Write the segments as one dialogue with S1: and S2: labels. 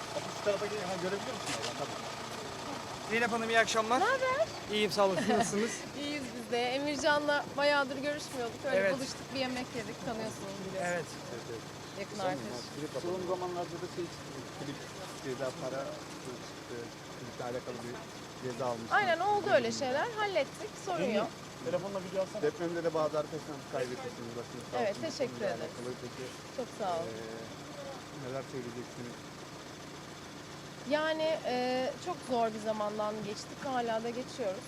S1: Şu tarafa gelin. Ha, görebiliyor musun oradan? Tamam.
S2: Zeynep Hanım iyi akşamlar.
S3: Ne haber?
S2: İyiyim sağ olun. Siz nasılsınız?
S3: İyiyiz biz de. Emircan'la bayağıdır görüşmüyorduk. Öyle
S2: Evet.
S3: buluştuk, bir yemek yedik. Tanıyorsunuz biliyorsunuz.
S2: Evet.
S3: Yakın arkadaş.
S1: Son zamanlarda da şey çıktı. Klip ceza para çıktı. Kliple alakalı bir ceza almıştı.
S3: Aynen oldu öyle şeyler. Hallettik. Sorun yok.
S1: Telefonla video alsana. Depremde de bazı arkadaşlarımız kaybetmişsiniz. Başınız sağ
S3: Evet,
S1: olsun.
S3: teşekkür
S1: Bununla
S3: ederiz.
S1: alakalı Peki
S3: Çok sağ ol.
S1: neler söyleyeceksiniz?
S3: Yani çok zor bir zamandan geçtik. Hala da geçiyoruz.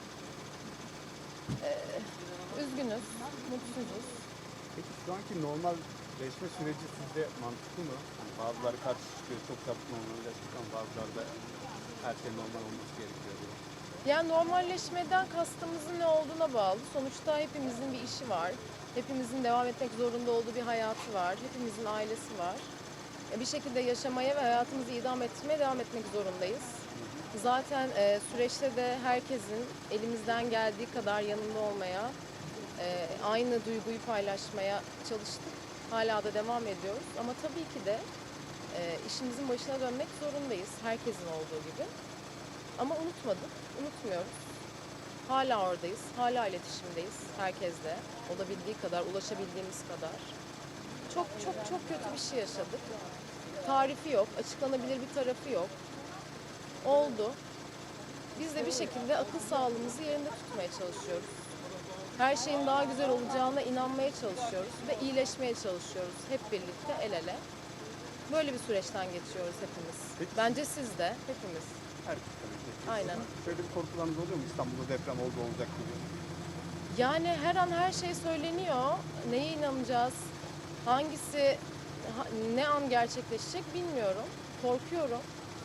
S3: Üzgünüz. Mutsuzuz.
S1: Peki şu anki normalleşme süreci sizce mantıklı mı? Hani bazıları karşı çıkıyor, çok çabuk normalleştik ama bazıları da her şey normal olması gerekiyor diyor.
S3: Yani normalleşmeden kastımızın ne olduğuna bağlı. Sonuçta hepimizin bir işi var. Hepimizin devam etmek zorunda olduğu bir hayatı var. Hepimizin ailesi var. Bir şekilde yaşamaya ve hayatımızı idame ettirmeye devam etmek zorundayız. Zaten süreçte de herkesin elimizden geldiği kadar yanında olmaya, aynı duyguyu paylaşmaya çalıştık. Hala da devam ediyoruz. Ama tabii ki de işimizin başına dönmek zorundayız. Herkesin olduğu gibi. Ama unutmadık, unutmuyoruz. Hala oradayız, hala iletişimdeyiz herkesle. Olabildiği kadar, ulaşabildiğimiz kadar. Çok çok çok kötü bir şey yaşadık. Tarifi yok, açıklanabilir bir tarafı yok. Oldu. Biz de bir şekilde akıl sağlığımızı yerinde tutmaya çalışıyoruz. Her şeyin daha güzel olacağına inanmaya çalışıyoruz ve iyileşmeye çalışıyoruz. Hep birlikte el ele. Böyle bir süreçten geçiyoruz hepimiz.
S1: Peki.
S3: Bence siz de, hepimiz.
S1: Herkes tabii ki.
S3: Aynen.
S1: Şöyle bir korkularınız oluyor mu? İstanbul'da deprem oldu olacak gibi.
S3: Yani her an her şey söyleniyor. Neye inanacağız? Hangisi ne an gerçekleşecek bilmiyorum. Korkuyorum.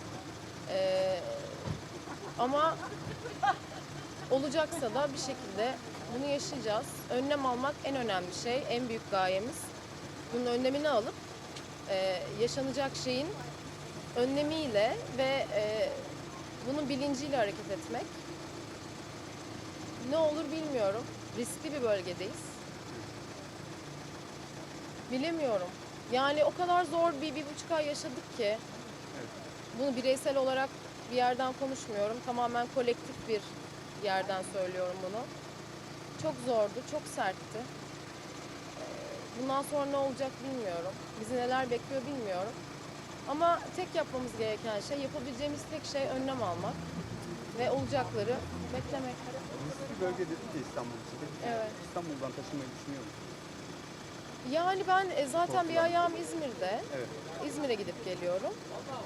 S3: Ama olacaksa da bir şekilde bunu yaşayacağız. Önlem almak en önemli şey, en büyük gayemiz. Bunun önlemini alıp yaşanacak şeyin önlemiyle ve bunun bilinciyle hareket etmek. Ne olur bilmiyorum. Riskli bir bölgedeyiz. Bilemiyorum. Yani o kadar zor bir buçuk ay yaşadık ki. Bunu bireysel olarak bir yerden konuşmuyorum. Tamamen kolektif bir yerden söylüyorum bunu. Çok zordu, çok sertti. Bundan sonra ne olacak bilmiyorum. Bizi neler bekliyor bilmiyorum. Ama tek yapmamız gereken şey, yapabileceğimiz tek şey önlem almak ve olacakları beklemek.
S1: Riskli bölge dedik ya İstanbul için. Peki
S3: Evet.
S1: İstanbul'dan taşınmayı düşünüyor musunuz?
S3: Yani ben zaten bir ayağım İzmir'de.
S1: Evet.
S3: İzmir'e gidip geliyorum.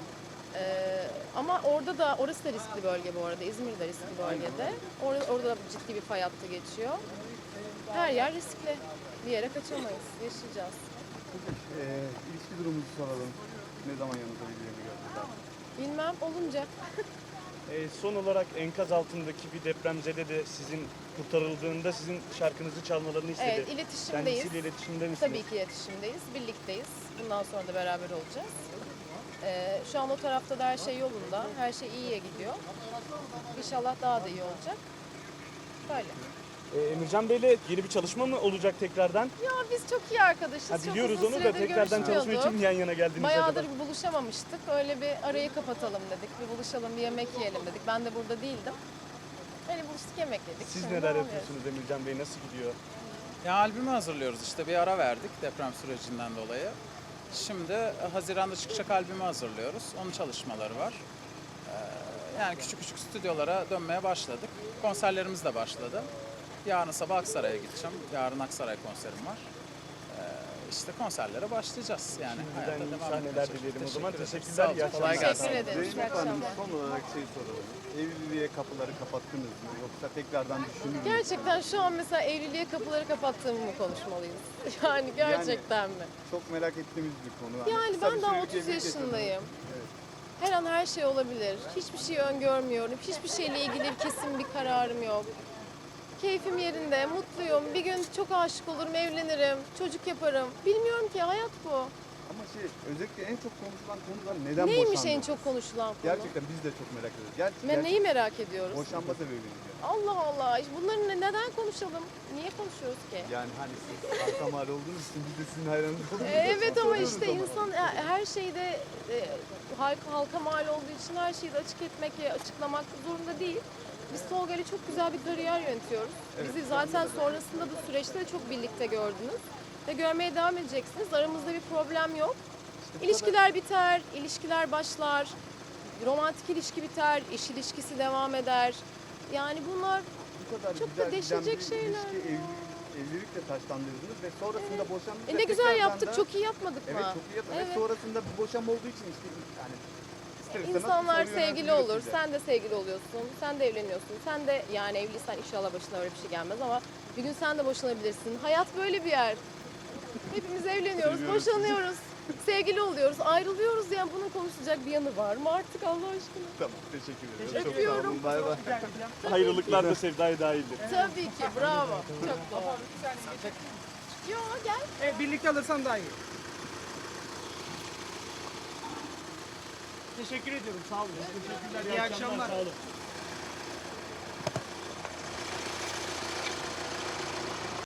S3: Ama orası da riskli bölge bu arada. İzmir de riskli bölgede. Orada da ciddi bir fay hattı geçiyor. Her yer riskli. Bir yere kaçamayız. Yaşayacağız.
S1: İlişki durumunuzu soralım. Ne zaman yanınıza birilerini gördünüz abi?
S3: Bilmem olunca.
S4: Son olarak enkaz altındaki bir depremzede de sizin kurtarıldığında sizin şarkınızı çalmalarını istedi.
S3: Evet, iletişimdeyiz.
S4: Kendisiyle iletişimde misiniz?
S3: Tabii ki iletişimdeyiz. Birlikteyiz. Bundan sonra da beraber olacağız. Şu an o tarafta da her şey yolunda. Her şey iyiye gidiyor. İnşallah daha da iyi olacak. Böyle.
S4: Emircan Bey'le yeni bir çalışma mı olacak tekrardan?
S3: Ya biz çok iyi arkadaşız.
S4: Ha,
S3: Çok
S4: biliyoruz
S3: uzun
S4: onu da
S3: süredir
S4: tekrardan çalışma için
S3: görüşmüyorduk.
S4: mi yan yana geldiniz
S3: Bayağıdır
S4: acaba?
S3: bir buluşamamıştık. Öyle bir arayı kapatalım dedik. Bir buluşalım, bir yemek yiyelim dedik. Ben de burada değildim. Öyle buluştuk, yemek yedik.
S4: Siz
S3: Şimdi
S4: neler
S3: devam
S4: yapıyorsunuz Emircan Bey? Nasıl gidiyor?
S5: Ya albümü hazırlıyoruz işte bir ara verdik deprem sürecinden dolayı. Şimdi Haziran'da çıkacak albümü hazırlıyoruz. Onun çalışmaları var. Yani küçük küçük stüdyolara dönmeye başladık. Konserlerimiz de başladı. Yarın sabah Aksaray'a gideceğim. Yarın Aksaray konserim var. İşte konserlere başlayacağız. Yani hayata
S4: Şimdiden iyi
S5: devam
S4: sahneler
S5: etmeye
S4: dilerim o
S5: çalışıyoruz.
S4: zaman.
S5: Teşekkür ederim.
S4: Teşekkürler.
S5: Sağ olun,
S4: iyi akşamlar.
S5: kolay gelsin.
S3: Teşekkür ederiz. İyi
S1: Zeynep Hanım
S3: akşamlar.
S1: son olarak şey soralım. Evliliğe kapıları kapattınız mı? Yoksa tekrardan düşünür müsünüz?
S3: Gerçekten şu an mesela evliliğe kapıları kapattığımı mı konuşmalıyız? Yani gerçekten mi?
S1: Çok merak ettiğimiz bir konu.
S3: Yani
S1: kısa
S3: ben
S1: bir
S3: daha
S1: sürelik
S3: 30
S1: evlilik
S3: yaşındayım.
S1: yaşadınız. Evet.
S3: Her an her şey olabilir. Hiçbir şey öngörmüyorum. Hiçbir şeyle ilgili kesin bir kararım yok. Keyfim yerinde, mutluyum. Bir gün çok aşık olurum, evlenirim, çocuk yaparım. Bilmiyorum ki hayat bu.
S1: Ama özellikle en çok konuşulan konular neden
S3: Neymiş
S1: boşandınız?
S3: en çok konuşulan konu?
S1: Gerçekten biz de çok merak ediyoruz.
S3: Ben neyi merak ediyoruz?
S1: Boşanma sebebini diyor.
S3: Allah Allah. Bunları neden konuşalım? Niye konuşuyoruz ki?
S1: Yani hani siz halka mal olduğunuz için biz de sizin hayranınız olduğunuz için
S3: Evet ama
S1: soruyoruz
S3: işte
S1: ama.
S3: insan her şeyde halka mal olduğu için her şeyi de açık etmek ve açıklamak zorunda değil. Biz Tolga ile çok güzel bir kariyer yönetiyoruz.
S1: Evet,
S3: Bizi zaten sonrasında bu süreçte de çok birlikte gördünüz. Ve görmeye devam edeceksiniz. Aramızda bir problem yok. İlişkiler biter, ilişkiler başlar. Romantik ilişki biter, iş ilişkisi devam eder. Yani bunlar
S1: Bu kadar
S3: çok da
S1: güzel giden
S3: değişecek
S1: bir
S3: şeyler
S1: ilişki,
S3: ya.
S1: evlilikle taşlandırdınız ve sonrasında boşandınız.
S3: ne
S1: ve
S3: güzel
S1: tekrardan
S3: yaptık,
S1: da-
S3: çok iyi yapmadık mı?
S1: Evet çok iyi yaptınız.
S3: Evet.
S1: Ve sonrasında bir boşanma olduğu için işte yani ister istemez
S3: İnsanlar
S1: bir soru
S3: sevgili
S1: yöneltiliyor
S3: olur,
S1: size.
S3: sen de sevgili oluyorsun, sen de evleniyorsun, sen de yani evliysen inşallah başına öyle bir şey gelmez ama bir gün sen de boşanabilirsin. Hayat böyle bir yer. Hepimiz evleniyoruz,
S1: Seviyoruz sizi.
S3: boşanıyoruz, sevgili oluyoruz, ayrılıyoruz yani bunun konuşacak bir yanı var mı artık Allah aşkına?
S1: Tamam teşekkür ederim.
S3: Teşekkür
S1: Çok sağ
S3: ediyorum.
S1: olun. Bay bay.
S4: Ayrılıklar da sevdaya dahildir.
S3: Tabii ki, bravo. Çok doğru. Yo gel.
S2: Evet, birlikte alırsan daha iyi. Teşekkür ediyorum. Sağ olun. İyi akşamlar.
S4: Sağ olun.